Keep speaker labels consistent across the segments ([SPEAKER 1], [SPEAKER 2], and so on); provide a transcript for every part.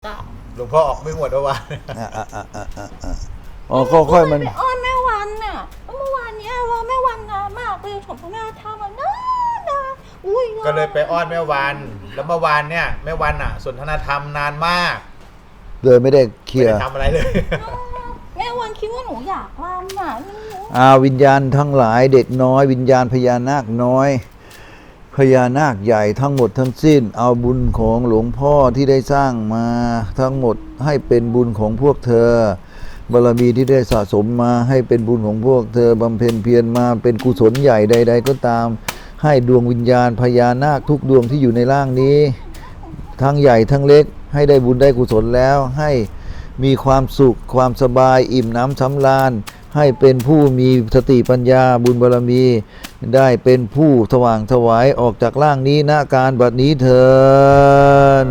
[SPEAKER 1] จ้ะ
[SPEAKER 2] หลวงพ่อออกไม่หมดเมื่อวาน
[SPEAKER 3] อ๋อค่อยๆมัน
[SPEAKER 1] ไปอ้อนแม่วันน่ะแล้วเมื่อวานเนี้ยรอแม่วันนานมากเลยผมพระแม่ทำมันนานอุ้ย
[SPEAKER 2] ก็เลยไปอ้อนแม่วัน แล้วเมื่อวานเนี่ยแม่วันอ่ะสนทนาธรรมนานมาก
[SPEAKER 3] เลยไม่ได้เคลี
[SPEAKER 2] ไม่
[SPEAKER 3] ยร์
[SPEAKER 2] ได้ทำอะไรเลย
[SPEAKER 1] แม่วันคิดว่าหนูอยากรำน่ะ
[SPEAKER 3] วิญญาณทั้งหลายเด็กน้อย วิญญาณพญานาคน้อยพญานาคใหญ่ทั้งหมดทั้งสิ้น เอาบุญของหลวงพ่อที่ได้สร้างมาทั้งหมดให้เป็นบุญของพวกเธอบารมีที่ได้สะสมมาให้เป็นบุญของพวกเธอบำเพ็ญเพียรมาเป็นกุศลใหญ่ใด ๆ ก็ตาม ให้ดวงวิญญาณพญานาคทุกดวงที่อยู่ในร่างนี้ ทั้งใหญ่ทั้งเล็กให้ได้บุญได้กุศลแล้วให้มีความสุขความสบายอิ่มน้ำสำราญให้เป็นผู้มีสติปัญญาบุญบารมี ได้เป็นผู้สว่างไสวออกจากร่างนี้ณการบัดนี้เถิด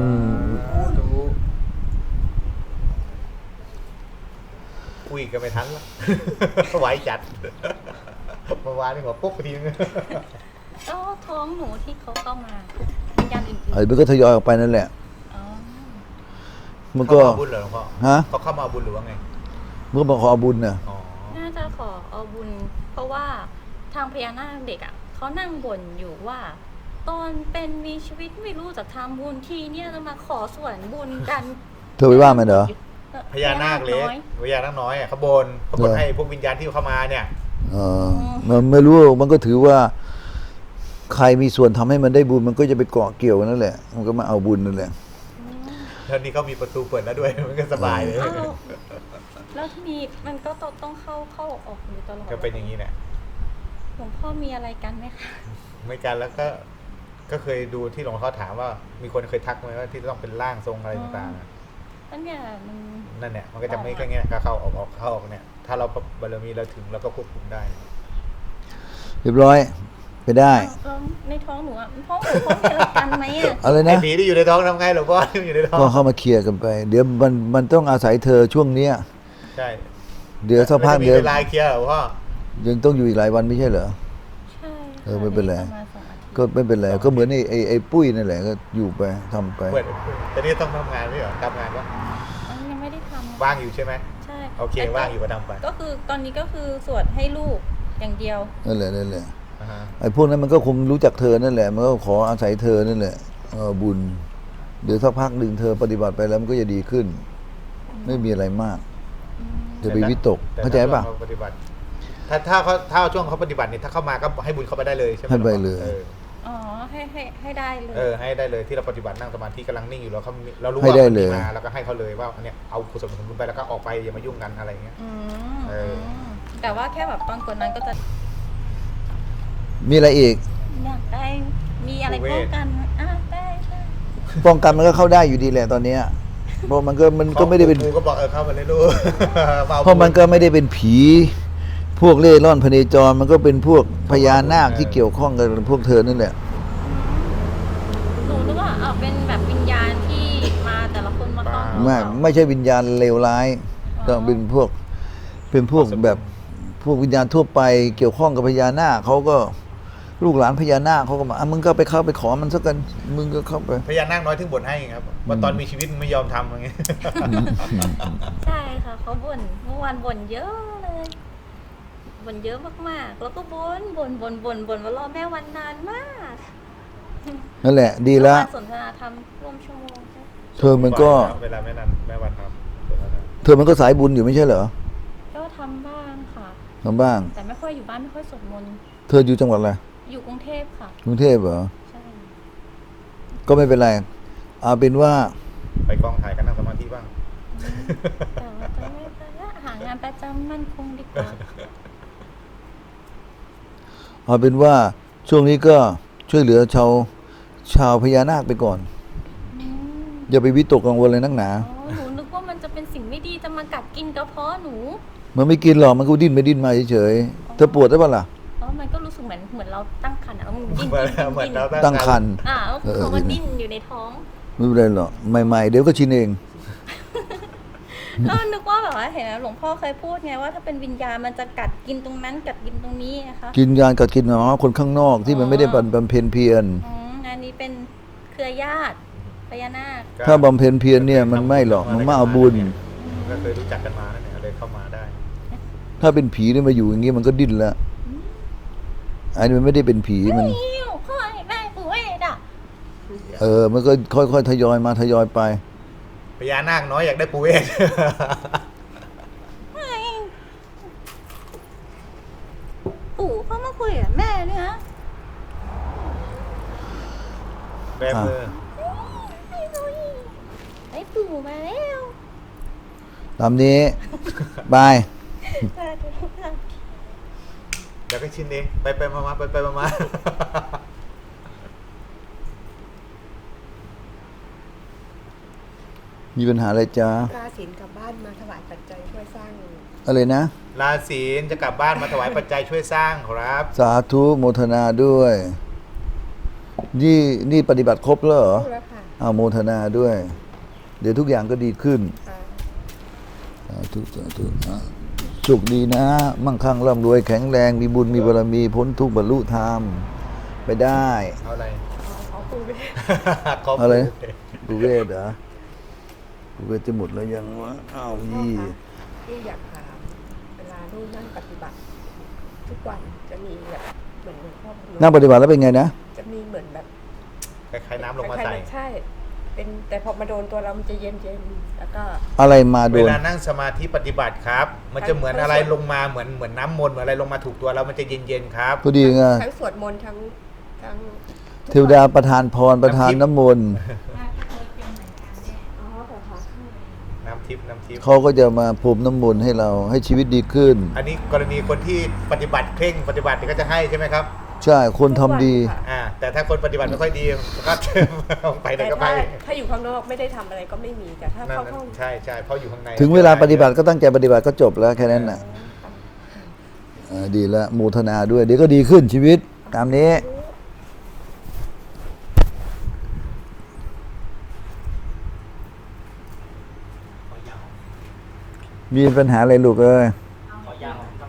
[SPEAKER 2] คุยกันไม่ทันแล้ว ไหวจัดเมื่อวานนี่หัวปุ๊บไปทีนึง
[SPEAKER 1] ก็ท้องหนูที่เขาเข้ามาวิญญาณอื่น
[SPEAKER 3] มันก็ทยอยออกไปนั่นแหละ
[SPEAKER 1] ๆอ๋อ
[SPEAKER 3] มัน
[SPEAKER 2] เขา
[SPEAKER 3] ก็
[SPEAKER 2] มาบุญเหรอหลวงพ่อ
[SPEAKER 3] ฮะ
[SPEAKER 2] เขาเข้ามาบุญหรือว่าไง
[SPEAKER 3] มันก็มาขอบุญน่ะ
[SPEAKER 2] อ๋อ
[SPEAKER 1] น่าจะขอเอาบุญ เพราะว่าทางพญานาคเด็กอ่ะเขานั่งบ่นอยู่ว่า ตอนเป็นมีชีวิตไม่รู้จะทำบุญทีเนี่ยจะมาขอส่วนบุญกัน
[SPEAKER 3] เธอไปว่ามันเหรอ
[SPEAKER 2] พญานาคเล็ก
[SPEAKER 1] น้อย
[SPEAKER 2] พญานาคน้อยอ่ะเขาบนให้พวกวิญญาณที่เข้ามาเนี่ย
[SPEAKER 3] มันไม่รู้มันก็ถือว่า ใครมีส่วนทำให้มันได้บุญมันก็จะไปเกาะเกี่ยวนั่นแหละ มันก็มาเอาบุญนั่นแหละ
[SPEAKER 2] แล้วนี่เขามีประตูเปิดแล้วด้วย มันก็สบายเลย
[SPEAKER 1] อ้าวแล้วมีมันก็ต้องเข้าออกอยู่ตลอด
[SPEAKER 2] ก็เป็นอย่างนี้แหละ
[SPEAKER 1] หลวงพ่อมีอะไรกันไหมคะ
[SPEAKER 2] ไม่กันแล้วก็เคยดูที่หลวงพ่อถามว่ามีคนเคยทักไหมว่าที่ต้องเป็นร่างทรงอะไรต่างๆอะ
[SPEAKER 1] นั่นเนี่ยมัน
[SPEAKER 2] นั่นเนี่ยมันก็จะไม่แค่เงี้ยเข้าออกเข้าออกเนี่ยถ้าเราบารมีเราถึงเราก็ควบคุมได้
[SPEAKER 3] เรียบร้อยไปได้
[SPEAKER 1] แล้วในท้องหนูอ่ะท้องหนูเขามีอะไรกันไหมอ่ะ
[SPEAKER 3] อะไร
[SPEAKER 2] ไอ้
[SPEAKER 3] นะ
[SPEAKER 2] ผีที่อยู่ในท้องทำไงหลวงพ่อที่อยู่ในท้อง
[SPEAKER 3] ก็เข้ามาเคลียร์กันไป เดี๋ยวมันต้องอาศัยเธอช่วงเนี้ย
[SPEAKER 2] ใช่
[SPEAKER 3] เดี๋ยวสักพัก
[SPEAKER 2] ไม่
[SPEAKER 3] เดี๋ยว
[SPEAKER 2] มีเวลาเคลียร์หลวงพ่อ
[SPEAKER 3] ยังต้องอยู่อีกหลายวันไม่ใช่เหรอ
[SPEAKER 1] ใช่ค่ะ
[SPEAKER 3] ไม่เป็นไร
[SPEAKER 1] ประมาณ2 อาทิตย์
[SPEAKER 3] ก็ไม่เป็นไรก็เหมือนไอ้ปุ้ยนั่นแหละก็อยู่ไปทำไป
[SPEAKER 2] เปิดแต่นี่ต้องทำงานไม่เหรอทำงานวะ
[SPEAKER 1] อันนี้ยังไม่ได้ทำ
[SPEAKER 2] ว่างอยู่ใช่ไหม
[SPEAKER 1] ใช่
[SPEAKER 2] โอเคว่างอยู่ก็ทำไป
[SPEAKER 1] ก็คือตอนนี้ก็คือสวดให้ลูกอย่างเดียว
[SPEAKER 3] นั่นแหละนั่นแหละ
[SPEAKER 2] อ่าฮะ
[SPEAKER 3] ไอ้พวกนั้นมันก็คงรู้จักเธอนั่นแหละมันก็ขออาศัยเธอนั่นแหละบุญ เดี๋ยวสักพักหนึ่งเธอปฏิบัติไปแล้วมันก็จะดีขึ้น ไม่มีอะไรมาก จะไปวิตก
[SPEAKER 2] แต่
[SPEAKER 3] เข้าใจป่ะ
[SPEAKER 2] ถ้ช่วงขปฏิบัติถ้าช่วงเขาปฏิบัติเนี่ยถ้าเข้ามาก็ให้บุญเขาไปได้เลยใช่ไหม
[SPEAKER 3] ให้ไปเลย
[SPEAKER 1] อ๋อให้ได้เลย
[SPEAKER 2] ให้ได้เลยที่เราปฏิบัตินั่งสมาธิกำลังนิ่งอยู่แล้วเรารู้
[SPEAKER 3] ให้
[SPEAKER 2] ว่า
[SPEAKER 3] ได้
[SPEAKER 2] มัน
[SPEAKER 3] เล
[SPEAKER 2] มี
[SPEAKER 3] ย
[SPEAKER 2] มาแล้วก็ให้เขาเลยว่าเนี่ยเอากุศลผลบุญไปแล้วก็ออกไปอย่ามายุ่งกันอะไรเงี้ย
[SPEAKER 1] อืม
[SPEAKER 2] เออ
[SPEAKER 1] แต่ว่าแค่แบบตอนกดนั้นก็จะ
[SPEAKER 3] มีอะไรอีก
[SPEAKER 1] อยากได้มีอะไรป้องกันได้
[SPEAKER 3] ป้องกันมันก็เข้าได้อยู่ดีแหละตอนเนี้ยเพราะมันก็ไม่ได้เป็น
[SPEAKER 2] ครูก็บอกเข้ามาเลยลูก
[SPEAKER 3] เพราะมันก็ไม่ได้เป็นผี พวกเล่ร่อนพเนจรมันก็เป็นพวกพญานาคที่เกี่ยวข้องกับพวกเธอนั่นแหละ
[SPEAKER 1] หนูนึกว่าเป็นแบบวิญญาณที่มาแต่ละคนมาต้อง
[SPEAKER 3] ไม่ใช่วิญญาณเลวร้ายต้องเป็นพวกแบบพวกวิญญาณทั่วไปเกี่ยวข้องกับพญานาคเขาก็ลูกหลานพญานาคเขาก็มามึงก็ไปเข้าไปขอมันสักกันมึงก็เข้าไป
[SPEAKER 2] พญานาคน้อยถึงบ่นให้ครับว่าตอนมีชีวิตไม่ยอมทำอย่างเงี้ย
[SPEAKER 1] ใช่ค่ะเขาบ่นเมื่อวานบ่นเยอะเลยบ่นเยอะมากๆแล้วก็บ่นว่ารอแม่วันนานมาก
[SPEAKER 3] นั่นแหละ ดีแล้ว
[SPEAKER 1] สนทนาธรรมร่วมชั่วโมงใช่
[SPEAKER 3] เธอมันก็
[SPEAKER 2] เวลาแม่นันแม่วันทำ
[SPEAKER 3] เธอมันก็สายบุญอยู่ไม่ใช่เหรอ
[SPEAKER 1] ก็ทำบ้างค่ะ
[SPEAKER 3] ทำบ้าง
[SPEAKER 1] แต่ไม่ค่อยอยู่บ้านไม่ค่อยสวดมนต์
[SPEAKER 3] เธออยู่จังหวัดอะไร
[SPEAKER 1] อยู่กรุงเทพค่ะ
[SPEAKER 3] กรุงเทพเหรอ
[SPEAKER 1] ใช่
[SPEAKER 3] ก็ไม่เป็นไรเอาเป็นว่า
[SPEAKER 2] ไปกองถ่ายกันนั่งสมาธิบ้าง
[SPEAKER 1] แต่ว่าจะไม่ไปละหางานประจำมั่นคงดีกว่า
[SPEAKER 3] เอาเป็นว่าช่วงนี้ก็ช่วยเหลือชาวพญานาคไปก่อน
[SPEAKER 1] อืม
[SPEAKER 3] อย่าไปวิตกกังวลเลยนักหนา
[SPEAKER 1] อ๋อหนูนึกว่ามันจะเป็นสิ่งไม่ดีจะมากัดกินกระเพาะหนู
[SPEAKER 3] มันไม่กินหรอกมันก็ดิ้นไปดิ้นมาเฉยๆเธอปวดได้ปะล่ะ
[SPEAKER 1] อ๋อมันก็รู้สึกเหมือนเราตั้งครรภ์อะมันดิ้น
[SPEAKER 2] เหมือนเรา
[SPEAKER 3] ตั้งครรภ์
[SPEAKER 1] เขาก็ดิ้นอยู่ในท้อง
[SPEAKER 3] ไม่เป็นไรหรอกใหม่ๆเดี๋ยวก็ชินเอง
[SPEAKER 1] ก็นึกว่าแบบว่าเห็นหลวงพ่อเคยพูดไงว่าถ้าเป็นวิญญาณมันจะกัดกินตรงนั้นกัดกินตรงนี้นะคะ
[SPEAKER 3] กินยานกับกินหนอคนข้างนอกที่มันไม่ได้บำเพ็ญเพียร
[SPEAKER 1] อันนี้เป็นเครือญาติพญานาค
[SPEAKER 2] ก็
[SPEAKER 3] ถ้าบำเพ็ญเพียรเนี่ยมันไม่หรอกมันมาเอาบุญ
[SPEAKER 2] ก็เคยรู้จักกันมาแล้วเนี่ยเลยเข้ามาได้
[SPEAKER 3] ถ้าเป็นผีเนี่ยมาอยู่อย่างงี้มันก็ดิ้นละอันนี้มันไม่ได้เป็นผีมัน
[SPEAKER 1] หิวพ่อให้แม่ปู่เอ็ดอ่ะ
[SPEAKER 3] มันก็ค่อยๆทยอยมาทยอยไป
[SPEAKER 2] พญานาคน้อยอยากได้ปูเวศ
[SPEAKER 1] ปู่เขามาคุยกับแม่เนี่ยนะ
[SPEAKER 2] แบมือ
[SPEAKER 1] ไอ้ปู่มาแล้ว
[SPEAKER 3] ตามนี้ บาย
[SPEAKER 2] เดี๋ยวก็ชินเองไปมาไปมา
[SPEAKER 3] มีปัญหาอะไรจ๊ะ
[SPEAKER 4] ราศีกลับบ้านมาถวายปัจจัยช่วยสร้าง
[SPEAKER 3] อะไรนะ
[SPEAKER 2] ราศีจะกลับบ้านมาถวายปัจจัยช่วยสร้างครับ
[SPEAKER 3] สาธุโมทนาด้วย นี่ปฏิบัติครบแล้วเหรอ
[SPEAKER 4] แล้วค่ะ
[SPEAKER 3] เอาโมทนาด้วย เดี๋ยวทุกอย่างก็ดีขึ้น
[SPEAKER 4] อ่า
[SPEAKER 3] สาธุสาธุสุขดีนะ มั่งคั่งร่ำรวยแข็งแรงมีบุญมีบารมีพ้นทุกข์บรรลุธรรมไปได้
[SPEAKER 2] เอาอะไร
[SPEAKER 4] เอาปูไป
[SPEAKER 2] ขอบ
[SPEAKER 3] อะไร
[SPEAKER 2] คุณ
[SPEAKER 3] บุเวศเหรอบุเวศจะหมดแล้วยังวะอ้าวยี่
[SPEAKER 4] ที่อยากถามเวลาลูกนั่งปฏิบัติ ทุกวันจะมีแบบเหมือนหลวงพ่อพนม
[SPEAKER 3] นั่งปฏิบัติแล้วเป็นไงนะ
[SPEAKER 4] จะมีเหมือนแบบ
[SPEAKER 2] คล้ายๆน้ำลงมา
[SPEAKER 4] คล้
[SPEAKER 2] ใส่
[SPEAKER 4] ยๆใช่ เป็นแต่พอมาโดนตัวเรามันจะเย็นๆแล้วก็
[SPEAKER 3] อะไรมาโด
[SPEAKER 2] เวน ลานั่งสมาธิปฏิบัติครับ มันจะเหมือนอะไรลงมาเหมือนน้ำมนต์เหมือนอะไรลงมาถูกตัวเรามันจะเย็นๆครับ
[SPEAKER 3] พอดีไง
[SPEAKER 4] ทั้งสวดมนต์ทั้ง
[SPEAKER 3] เทวดาประทานพรประทานน้ำมนต์
[SPEAKER 4] อ๋อเหรอคะ
[SPEAKER 2] น้ำทิพย์
[SPEAKER 3] เขาก็จะมาพรมน้ำมนต์ให้เราให้ชีวิตดีขึ้น
[SPEAKER 2] อันนี้กรณีคนที่ปฏิบัติเคร่งปฏิบัติก็จะให้ใช่ไหมครับ
[SPEAKER 3] ใช่คนทำดี
[SPEAKER 4] ทุกวันค่ะ
[SPEAKER 2] แต่ถ้าคนปฏิบัติไม่ค่อยดีก็ ไปไหน
[SPEAKER 4] แต่
[SPEAKER 2] ก็ไป
[SPEAKER 4] ถ้าอยู่ข้างนอกไม่ได้ทำอะไรก็ไม่มีแต่ถ้า
[SPEAKER 2] นั่น
[SPEAKER 4] เข้าห้อง
[SPEAKER 2] ใช่เพราะอยู่ข้างใน
[SPEAKER 3] ถึงเวลาปฏิบัติก็ตั้งใจปฏิบัติก็จบแล้วแค่นั้นน่ะดีแล้วโมทนาด้วย เดี๋ยวก็ดีขึ้นชีวิต ตามนี้ มีปัญหาอะไรลูกเอ้ย
[SPEAKER 5] ขอยาว